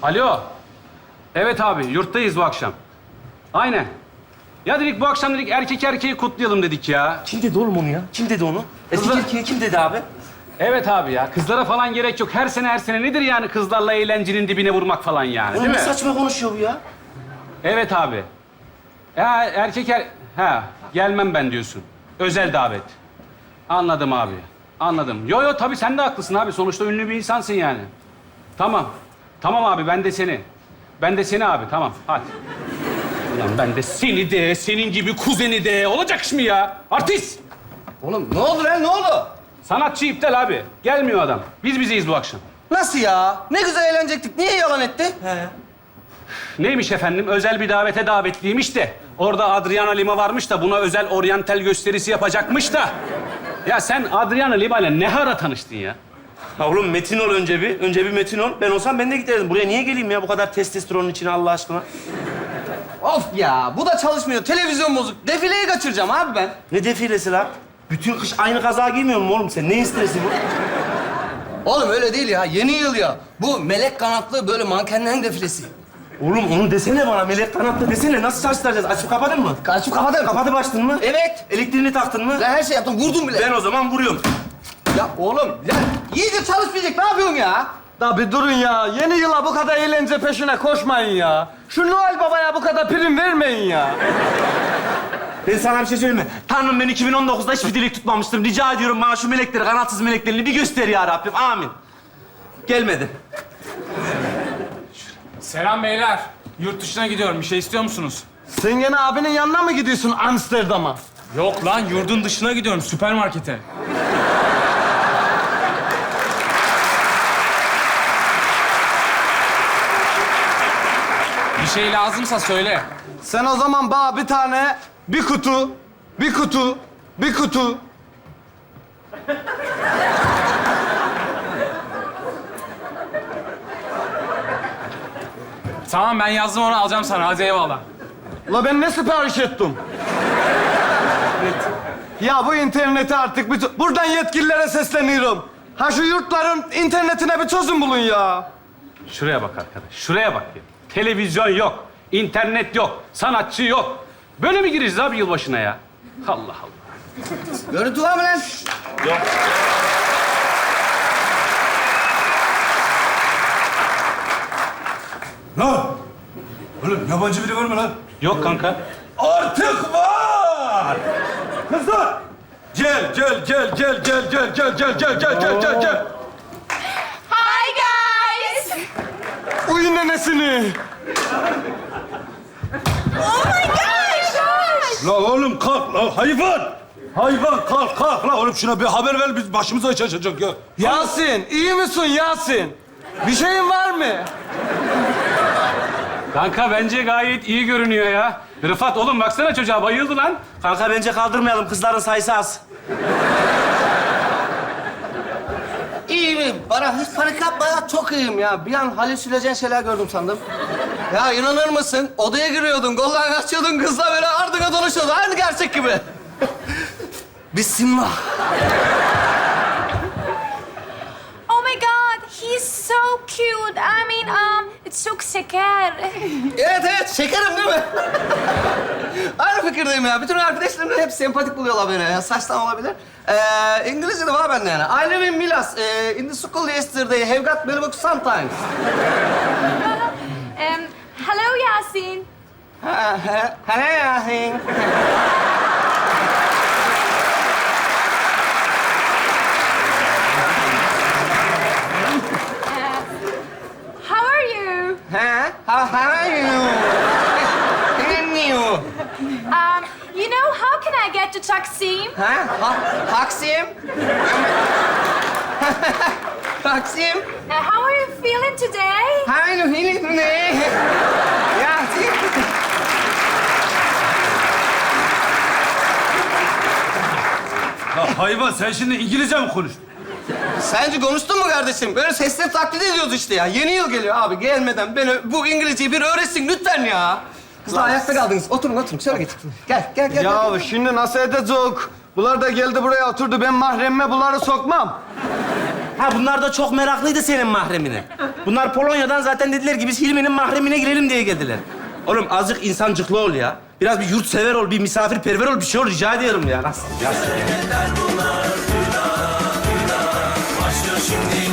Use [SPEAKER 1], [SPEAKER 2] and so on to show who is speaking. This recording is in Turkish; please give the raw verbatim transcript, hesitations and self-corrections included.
[SPEAKER 1] Alo. Evet abi, yurttayız bu akşam. Aynen. Ya dedik bu akşam dedik erkek erkeği kutlayalım dedik ya.
[SPEAKER 2] Kim dedi oğlum onu ya? Kim dedi onu? Eski
[SPEAKER 1] Kızlar-
[SPEAKER 2] erkeğe kim dedi abi?
[SPEAKER 1] Evet abi ya, kızlara falan gerek yok. Her sene her sene nedir yani kızlarla eğlencenin dibine vurmak falan yani,
[SPEAKER 2] Oğlum
[SPEAKER 1] değil
[SPEAKER 2] ne
[SPEAKER 1] mi?
[SPEAKER 2] saçma konuşuyor bu ya?
[SPEAKER 1] Evet abi. Ya erkek er... Ha, gelmem ben diyorsun. Özel davet. Anladım abi. Anladım. Yo yo tabii sen de haklısın abi. Sonuçta ünlü bir insansın yani. Tamam. Tamam abi ben de seni. Ben de seni abi tamam hadi. Ulan ben de seni de, senin gibi kuzeni de. Olacak iş mi ya? Artist!
[SPEAKER 3] Oğlum ne oldu lan ne oldu?
[SPEAKER 1] Sanatçı iptal abi. Gelmiyor adam. Biz bizeyiz bu akşam.
[SPEAKER 3] Nasıl ya? Ne güzel eğlenecektik. Niye yalan etti?
[SPEAKER 2] He.
[SPEAKER 1] Neymiş efendim? Özel bir davete davetliymiş de. Orada Adriana Lima varmış da buna özel oryantal gösterisi yapacakmış da. Ya sen Adriana Lima ile ne ara tanıştın ya?
[SPEAKER 2] Ha oğlum metin ol önce bir. Önce bir metin ol. Ben olsam ben de giderdim. Buraya niye geleyim ya bu kadar testosteronun içine Allah aşkına?
[SPEAKER 3] Of ya bu da çalışmıyor. Televizyon bozuk. Defileyi kaçıracağım abi ben.
[SPEAKER 2] Ne defilesi lan? Bütün kış aynı kaza giymiyor musun oğlum sen? Neyin stresi bu?
[SPEAKER 3] Oğlum öyle değil ya. Yeni yıl ya. Bu melek kanatlı böyle mankenlerin defilesi.
[SPEAKER 2] Oğlum onu desene bana. Melek kanatlı desene. Nasıl çalıştıracağız? Açıp kapadın mı?
[SPEAKER 3] Kaçıp kapadım.
[SPEAKER 2] Kapatıp açtın mı?
[SPEAKER 3] Evet.
[SPEAKER 2] Elektriğini taktın mı?
[SPEAKER 3] Ben her şey yaptım. Vurdum bile.
[SPEAKER 2] Ben o zaman vuruyorum.
[SPEAKER 3] Ya oğlum ya iyice çalışmayacak. Ne yapıyorsun ya?
[SPEAKER 4] Da bir durun ya. Yeni yıla bu kadar eğlence peşine koşmayın ya. Şu Noel Baba'ya bu kadar prim vermeyin ya.
[SPEAKER 2] Ben sana bir şey söyleyeyim mi? Tanrım ben iki bin on dokuzda hiçbir dilek tutmamıştım. Rica ediyorum bana şu melekleri, kanatsız meleklerini bir göster ya Rabbim. Amin. Gelmedi.
[SPEAKER 5] Selam beyler. Yurt dışına gidiyorum. Bir şey istiyor musunuz?
[SPEAKER 4] Sen gene abinin yanına mı gidiyorsun Amsterdam'a?
[SPEAKER 5] Yok lan, yurdun dışına gidiyorum. Süpermarkete. Bir şey lazımsa söyle.
[SPEAKER 4] Sen o zaman bana bir tane, bir kutu, bir kutu, bir kutu.
[SPEAKER 5] Tamam, ben yazdım onu, alacağım sana. Hadi eyvallah.
[SPEAKER 4] La ben ne sipariş ettim? Ya bu interneti artık bir... Buradan yetkililere sesleniyorum. Ha şu yurtların internetine bir çözüm bulun ya.
[SPEAKER 1] Şuraya bak arkadaş. Şuraya bak ya. Televizyon yok. İnternet yok. Sanatçı yok. Böyle mi gireceğiz abi yılbaşına ya? Allah Allah.
[SPEAKER 3] Görüntü var mı lan?
[SPEAKER 6] Lan! Oğlum yabancı biri var mı lan?
[SPEAKER 1] Yok kanka.
[SPEAKER 6] Artık var! Kızlar! Gel, gel, gel, gel, gel, gel, gel, gel, gel, gel, gel, gel, gel.
[SPEAKER 7] Hi guys!
[SPEAKER 4] Uy nenesini.
[SPEAKER 7] Oh my gosh!
[SPEAKER 6] La oğlum kalk la hayvan! Hayvan kalk kalk la oğlum şuna bir haber ver biz başımıza iş açacak ya.
[SPEAKER 4] Yasin, iyi misin Yasin? Bir şeyin var mı?
[SPEAKER 1] Kanka bence gayet iyi görünüyor ya. Rıfat oğlum baksana çocuğa bayıldı lan.
[SPEAKER 2] Kanka bence kaldırmayalım. Kızların sayısı az.
[SPEAKER 3] İyiyim. Bana hiç panik yapma ya. Çok iyiyim ya. Bir an halüsinojen şeyler gördüm sandım. Ya inanır mısın? Odaya giriyordun, kollarını açıyordun, kızla böyle ardına dolaşıyordun. Aynı gerçek gibi. Bismillah.
[SPEAKER 7] Oh my god, he's so cute. I mean, um, it's çok şeker.
[SPEAKER 3] Evet evet, şekerim değil mi? Aynı fikirdeyim ya. Bütün arkadaşlarım hep sempatik buluyorlar beni ya. Saçtan olabilir. Ee, İngilizce de var bende yani. I live in Milas. Ee, in the school yesterday. Have got very book sometimes.
[SPEAKER 7] um, hello Yasin.
[SPEAKER 3] Ha, ha, Hello, Yasin.
[SPEAKER 7] How are you?
[SPEAKER 3] Ha? How, how are you? Thank you.
[SPEAKER 7] Um, you know, how can I get to Taksim?
[SPEAKER 3] Ha? Ha? Taksim? Taksim?
[SPEAKER 7] Uh, how are you feeling today?
[SPEAKER 3] How are you feeling today? Yasin.
[SPEAKER 6] La hayvan sen şimdi İngilizce mi konuştun?
[SPEAKER 3] Sence konuştun mu kardeşim? Böyle sesleri taklit ediyoruz işte ya. Yeni yıl geliyor abi. Gelmeden beni bu İngilizceyi bir öğretsin lütfen ya. Kızlar ayakta kaldınız. Oturun oturun. Şöyle geç. Gel gel gel.
[SPEAKER 4] Ya
[SPEAKER 3] gel.
[SPEAKER 4] şimdi nasıl edecek? Bunlar da geldi buraya oturdu. Ben mahremime bunları sokmam.
[SPEAKER 2] Ha bunlar da çok meraklıydı senin mahremine. Bunlar Polonya'dan zaten dediler ki biz Hilmi'nin mahremine girelim diye geldiler. Oğlum azıcık insancıklı ol ya. Biraz bir yurtsever ol, bir misafirperver ol, bir şey ol rica ediyorum ya. Nasıl? Ya.
[SPEAKER 8] Başlıyor şimdi